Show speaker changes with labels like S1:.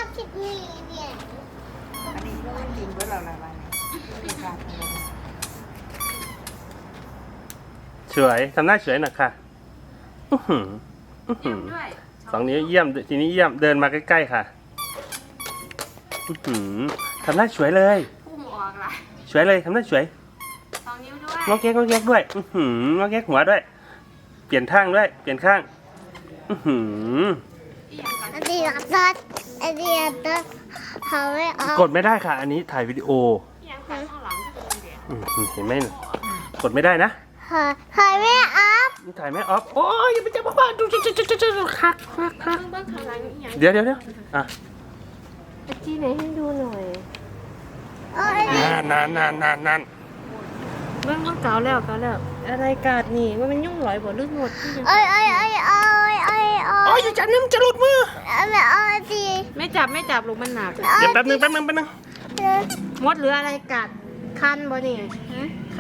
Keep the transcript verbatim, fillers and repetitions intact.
S1: คิดนี่เนี่ย
S2: อันนี้ก็จริงเพื่อเราละวันนี้ไม่ขาดเลย
S3: สวยทำหน้าสวยหน่อยค่ะอื้อหืออื้อหือสองนิ้วเยี่ยมทีนี้เยี่ยมเดินมาใกล้ๆค่ะอื้อหือทำหน้าสวยเลย
S2: พุ่งออกละ
S3: สวยเลยทำหน้าสวย
S2: สองนิ้วด้วย
S3: งอกแงกงอกแงกด้วยอื้อหืองอกแงกหัวด้วย เปลี่ยนข้างด้วยเปลี่ยนข้างอื้อหือ
S2: อีหยังก่อน
S1: อันนี้ตัดอันนี้ตัดเขาไม่ออก
S3: กดไม่ได้ค่ะ อันนี้ถ่ายวิดีโอ
S2: อีหยังก่อนข้างหลังก็เป็นเดียว
S3: อื้อหือเห็นไหมกดไม่ได้นะ
S1: เขาไม่ออก
S3: ถ่ายไม่ออฟโอ้ยอย่าไปจับบ้าดูจุ๊จุ๊จุ๊จุ๊จุ๊คักคักคัก
S2: เบื้องข้างหลังอีหยัง
S3: เดี๋ยวเดี๋ยวเดี๋ยวอ่ะ
S2: ตะกี้ไหนให้ดูหน่อย
S1: โอ้ย
S3: นานนานนานนานนาน
S2: เบื้องมันเก่าแล้วเก่าแล้วอะไรกาดนี่ว่ามันยุ่งหลอยบ่ลึกหมดที่ยัง
S1: โอ้ยโอ้ยโอ้ยโอ้ยโอ้ยโอ้
S3: โอ้ย
S1: ย
S3: อย่าจับนี่มันจะหลุดมือ
S1: ไม่เอาสิ
S2: ไม่จับไม่จับลูกมันหนัก
S3: เดี๋ยวแป๊บนึงแป๊บนึงแป๊บนึง
S2: มดหรืออะไรกัดคันบ่นี่ฮะ